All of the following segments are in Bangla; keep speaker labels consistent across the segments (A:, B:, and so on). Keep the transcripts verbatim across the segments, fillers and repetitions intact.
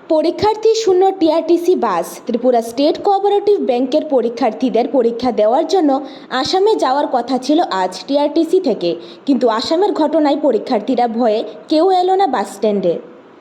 A: পরীক্ষার্থী শূন্য TRTC bus. Tripura state cooperative ব্যাংকের পরীক্ষার্থীদের পরীক্ষা দেওয়ার জন্য আসামে যাওয়ার কথা ছিল আজ টিআরটিসি থেকে, কিন্তু আসামের ঘটনায় পরীক্ষার্থীরা ভয়ে কেউ এলো না বাস স্ট্যান্ডে।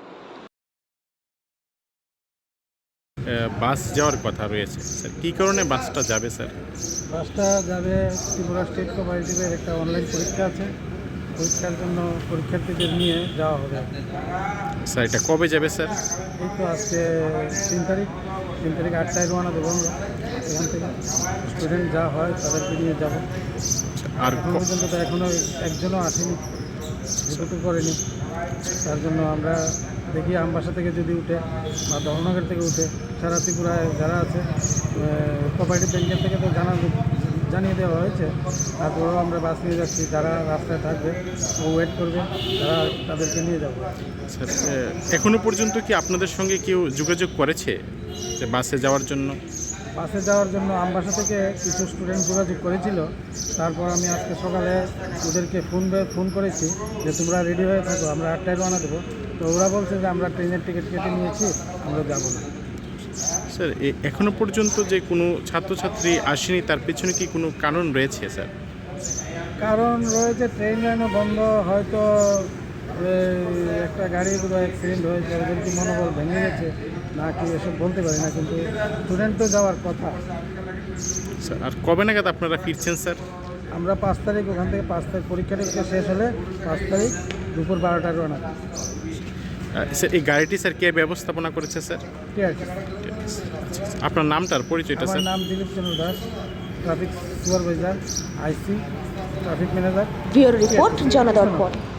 B: বাস যাওয়ার কথা রয়েছে স্যার, কী কারণে বাসটা যাবে স্যার?
C: বাসটা যাবে ত্রিপুরা স্টেট কোঅপারেটিভের একটা অনলাইন পরীক্ষা আছে, পরীক্ষার জন্য পরীক্ষার্থীদের নিয়ে যাওয়া হবে।
B: স্যার এটা কবে যাবে স্যার?
C: এই তো আজকে তিন তারিখ তিন তারিখ আটটায় রওনা দেবো আমরা এখান থেকে। স্টুডেন্ট যা হয় তাদেরকে নিয়ে যাব।
B: আর
C: এখন পর্যন্ত তো এখনও একজনও আসেনি, রিপোর্টও করেনি। তার জন্য আমরা দেখি আমবাসা থেকে যদি উঠে বা ধর্মনগর থেকে উঠে সারা ত্রিপুরায় যারা আছে কোঅপারেটিভ ব্যাংকের থেকে তো জানা জানিয়ে দেওয়া হয়েছে। তারপরেও আমরা বাস নিয়ে যাচ্ছি, যারা রাস্তায় থাকবে ও ওয়েট করবে, তারা তাদেরকে নিয়ে যাব।
B: স্যার এখনো পর্যন্ত কি আপনাদের সঙ্গে কেউ যোগাযোগ করেছে যে বাসে যাওয়ার জন্য?
C: বাসে যাওয়ার জন্য আমবাসা থেকে কিছু স্টুডেন্ট যোগাযোগ করেছিল। তারপর আমি আজকে সকালে ওদেরকে ফোন ফোন করেছি যে তোমরা রেডি হয়ে থাকো, আমরা আটটায় রওনা দেবো। তো ওরা বলছে যে আমরা ট্রেনের টিকিট কেটে নিয়েছি, আমরা যাবো না।
B: স্যার এখনো পর্যন্ত যে কোনো ছাত্রছাত্রী আসেনি, তার পেছনে কি কোনো কারণ রয়েছে স্যার?
C: কারণ রয়েছে, ট্রেন লাইনও বন্ধ, হয়তো একটা গাড়ির কোনো অ্যাক্সিডেন্ট হয়েছে, ওদের কি মনোবল ভেঙে গেছে না কি এসব বলতে পারি না, কিন্তু স্টুডেন্ট তো যাওয়ার কথা।
B: স্যার আর কবে নাগাদ আপনারা ফিরছেন স্যার?
C: আমরা পাঁচ তারিখ ওখান থেকে পাঁচ তারিখ পরীক্ষা টরীক্ষা শেষ হলে পাঁচ তারিখ দুপুর বারোটায় রওনা।
B: স্যার এই গাড়িটি স্যার কে ব্যবস্থাপনা করেছে স্যার?
C: ঠিক আছে।
B: আপনার নামটার পরিচয়টা
C: আমার
B: স্যার?
C: নাম Dilip Chandra Das, traffic supervisor, IC, traffic manager.
A: Bureau report, জনদর্পণ।